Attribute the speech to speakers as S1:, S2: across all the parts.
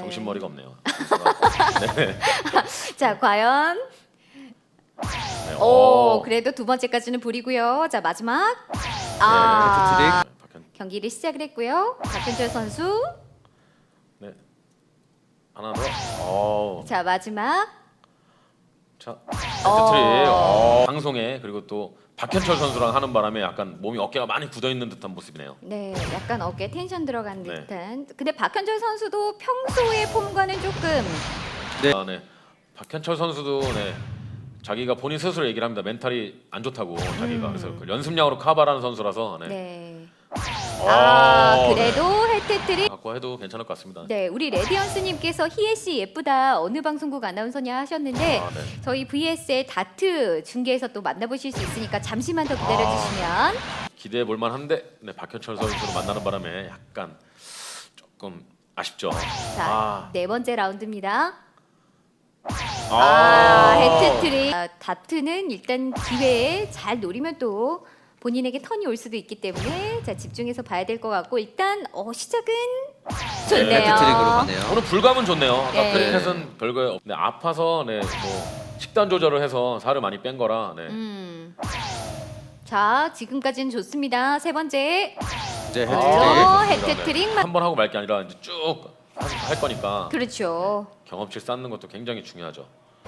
S1: 정신머리가 없네요. 네.
S2: 자, 과연
S1: 네.
S2: 오, 그래도 두 번째까지는 불이고요. 자, 마지막
S1: 네,
S2: 경기를 시작을 했고요. 박현철 선수.
S1: 네. 하나 더. 오.
S2: 자, 마지막
S1: 자, 헤트트릭. 방송에 그리고 또 박현철 선수랑 하는 바람에 약간 몸이 어깨가 많이 굳어 있는 듯한 모습이네요.
S2: 네, 약간 어깨 텐션 들어간
S1: 네.
S2: 듯한. 근데 박현철 선수도 평소의 폼과는 조금
S1: 네. 네. 박현철 선수도 네. 자기가 본인 스스로 얘기를 합니다. 멘탈이 안 좋다고 자기가 그래서 그 연습량으로 커버하는 선수라서 네.
S2: 네.
S1: 네.
S2: 그래도 헤트트릭.
S1: 갖고 해도 괜찮을 것 같습니다.
S2: 네, 우리 레디언스님께서 희애 씨 예쁘다 어느 방송국 아나운서냐 하셨는데
S1: 네.
S2: 저희 VS의 다트 중계에서 또 만나보실 수 있으니까 잠시만 더 기다려주시면.
S1: 기대해 볼 만한데 네, 박현철 선수를 만나는 바람에 약간 조금 아쉽죠.
S2: 자, 네 번째 라운드입니다.
S1: 아.
S2: 헤트트릭. 다트는 일단 기회에 잘 노리면 또 본인에게 턴이 올 수도 있기 때문에 자 집중해서 봐야 될 것 같고 일단 시작은 좋네요.
S3: 네, 헤트트릭으로 가네요.
S1: 오늘 불감은 좋네요. 아까
S2: 네.
S1: 크리켓은 별거에 네, 아파서 네, 뭐 식단 조절을 해서 살을 많이 뺀 거라. 네.
S2: 자, 지금까지는 좋습니다. 세 번째.
S3: 이제
S2: 헤트트릭.
S1: 한 번 하고 말 게 아니라 이제 쭉 할 거니까
S2: 그렇죠.
S1: 경험치 쌓는 것도 굉장히 중요하죠.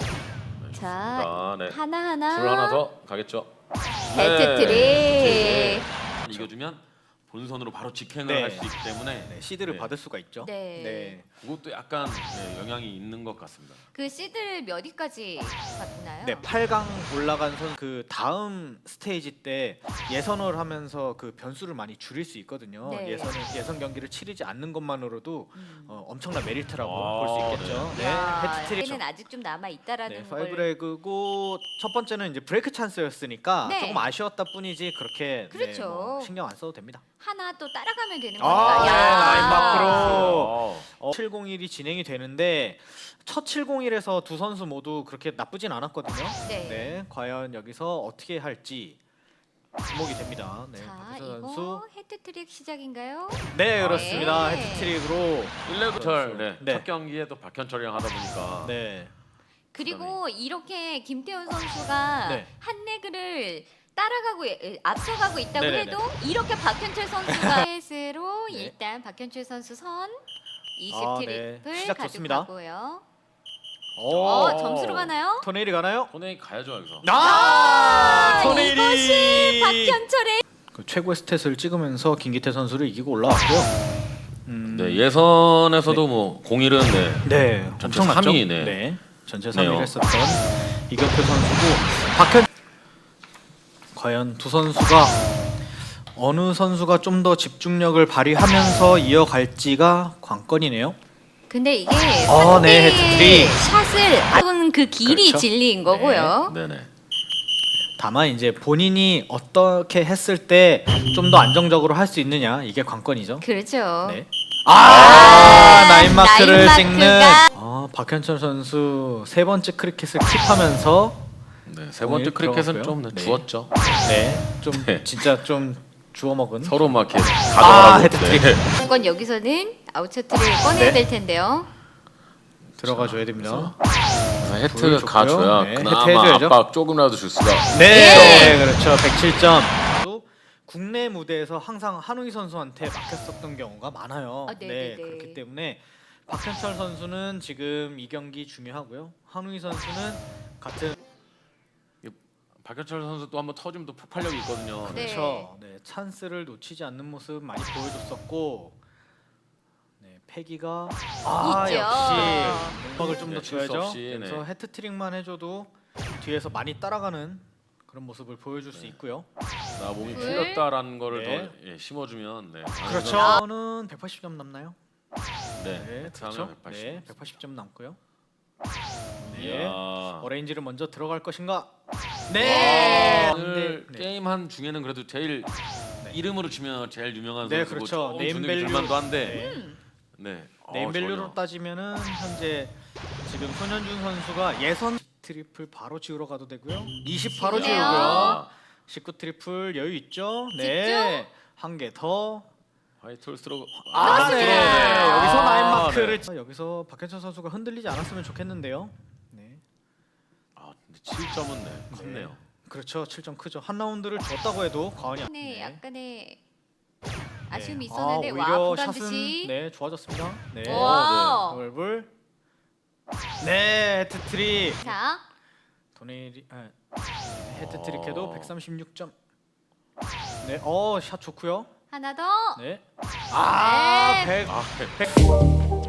S2: 자,
S1: 네.
S2: 하나하나.
S1: 불 하나 더 가겠죠.
S2: 헤트트릭.
S1: 네. 이겨주면 본선으로 바로 직행을
S4: 네.
S1: 할 수 있기 때문에
S4: 네, 시드를
S1: 네.
S4: 받을 수가 있죠.
S2: 네.
S1: 그것도 약간 네, 영향이 있는 것 같습니다.
S2: 그 시드를 몇 위까지 받나요?
S4: 네, 8강 올라간 선 그 다음 스테이지 때 예선을 하면서 그 변수를 많이 줄일 수 있거든요.
S2: 네.
S4: 예선 경기를 치르지 않는 것만으로도 엄청난 메리트라고
S1: 아,
S4: 볼 수 있겠죠. 네, 헤트트릭.
S2: 는 아직 좀 남아 있다라는
S4: 네,
S2: 걸.
S4: 파이브레그고 첫 번째는 이제 브레이크 찬스였으니까
S2: 네.
S4: 조금 아쉬웠다 뿐이지 그렇게
S2: 그렇죠.
S4: 뭐 신경 안 써도 됩니다.
S2: 하나 또 따라가면 되는
S4: 아,
S2: 거니까.
S4: 네, 라인 마크로.
S1: 어.
S4: 701이 진행이 되는데 첫 701에서 두 선수 모두 그렇게 나쁘진 않았거든요.
S2: 네.
S4: 네, 과연 여기서 어떻게 할지 주목이 됩니다. 네,
S2: 자,
S4: 박효선
S2: 이거
S4: 선수.
S2: 헤트트릭 시작인가요?
S4: 네, 그렇습니다.
S2: 네.
S4: 헤트트릭으로.
S1: 일레부터 네.
S4: 네.
S1: 첫 경기에 또 박현철이랑 하다 보니까
S4: 네.
S2: 그리고 이렇게 김태훈 선수가
S4: 네.
S2: 한 레그를 따라가고 앞서가고 있다고
S4: 네네네.
S2: 해도 이렇게 박현철 선수가 셋으로
S4: 네.
S2: 일단 박현철 선수 선 20
S4: 아,
S2: 트리플
S4: 네. 시작 좋습니다.
S2: 가져가고요.
S4: 오,
S2: 점수로 가나요?
S4: 토네일이 가나요?
S1: 토네이 가야죠 여기서.
S4: 토네일이
S2: 이것이 박현철의
S4: 그 최고의 스탯을 찍으면서 김기태 선수를 이기고 올라왔고요.
S1: 네 예선에서도 뭐 01은 네.
S4: 네,
S1: 전체
S4: 엄청났죠?
S1: 3위, 네.
S4: 전체
S1: 네요.
S4: 3위를 했었던 이경표 선수고 박현. 과연 두 선수가 어느 선수가 좀 더 집중력을 발휘하면서 이어갈지가 관건이네요.
S2: 근데 이게
S4: 네,
S2: 상대의
S4: 헤트트릭.
S2: 샷을 앞은 그 길이
S4: 그렇죠.
S2: 진리인 거고요.
S1: 네네.
S4: 다만 이제 본인이 어떻게 했을 때 좀 더 안정적으로 할 수 있느냐 이게 관건이죠.
S2: 그렇죠.
S4: 네. 나인 마크를
S2: 나인
S4: 찍는
S2: 마크가.
S4: 박현철 선수 세 번째 크리켓을 킵하면서
S1: 네, 세 번째
S4: 공이
S1: 크리켓은
S4: 들어갔고요.
S1: 좀
S4: 네.
S1: 주었죠.
S4: 네, 좀
S1: 네.
S4: 진짜 좀 주워 먹은.
S1: 서로 막 이렇게 가져가라고.
S4: 헤트트릭.
S1: 네.
S2: 무조건 여기서는 아웃셔트를 꺼내야
S4: 네.
S2: 될 텐데요.
S4: 들어가 줘야 됩니다.
S1: 그래서
S4: 불을
S1: 헤트 가줘야
S4: 줬고요. 네,
S1: 그나마
S4: 헤트 해줘야죠.
S1: 압박 조금이라도 줄 수가.
S4: 네, 그렇죠. 107점. 국내 무대에서 항상 한웅희 선수한테 막혔었던 경우가 많아요.
S2: 아, 네.
S4: 그렇기 때문에 박현철 선수는 지금 이 경기 중요하고요. 한웅희 선수는 같은
S1: 박현철 선수 또 한번 터지면 또 폭발력이 있거든요.
S2: 네.
S4: 그렇죠. 네, 찬스를 놓치지 않는 모습 많이 보여줬었고, 네, 패기가
S2: 있죠.
S4: 역시 음악을 좀 더
S1: 네, 실수
S4: 줘야죠.
S1: 없이,
S4: 그래서
S1: 네.
S4: 헤트트릭만 해줘도 뒤에서 많이 따라가는 그런 모습을 보여줄 수 있고요.
S1: 나 몸이
S2: 네.
S1: 풀렸다라는 거를
S4: 네.
S1: 더 예, 심어주면 네.
S4: 그렇죠. 저는 180점 남나요?
S1: 네.
S4: 네,
S1: 그렇죠.
S4: 그렇죠.
S1: 180.
S4: 네, 180점 남고요. 네.
S1: 이야.
S4: 어레인지를 먼저 들어갈 것인가?
S2: 네.
S1: 오늘
S4: 네.
S1: 게임 한 중에는 그래도 제일 이름으로 치면 제일 유명한
S4: 네,
S1: 선수고
S4: 그렇죠.
S1: 조금
S4: 네임밸류.
S1: 주눅이 들만도 한데.
S4: 네.
S1: 네.
S4: 네임밸류로
S1: 전혀.
S4: 따지면은 현재 지금 손현준 선수가 예선 트리플 바로 지우러 가도 되고요. 20 바로
S2: 지우네요.
S4: 지우고요. 19 트리플 여유 있죠? 네.
S2: 찍죠?
S4: 한 개 더.
S1: 화이트홀스로
S4: 네. 여기서 라인 마크를
S1: 네.
S4: 여기서 박현철 선수가 흔들리지 않았으면 좋겠는데요. 네.
S1: 아, 근데 7점은 네, 컸네요.
S4: 그렇죠. 7점 크죠. 한 라운드를 줬다고 해도 과언이
S2: 네,
S4: 아니네.
S2: 약간의 아쉬움이
S4: 네.
S2: 있었는데 와
S4: 오히려
S2: 보단
S4: 샷은
S2: 듯이.
S4: 네 좋아졌습니다. 네.
S2: 와.
S4: 벌벌. 네, 헤트트릭.
S2: 자,
S4: 도네리 헤트트릭해도 136점. 네, 샷 좋고요.
S2: 하나 더.
S4: 네.
S2: 네.
S4: 100.
S1: 아,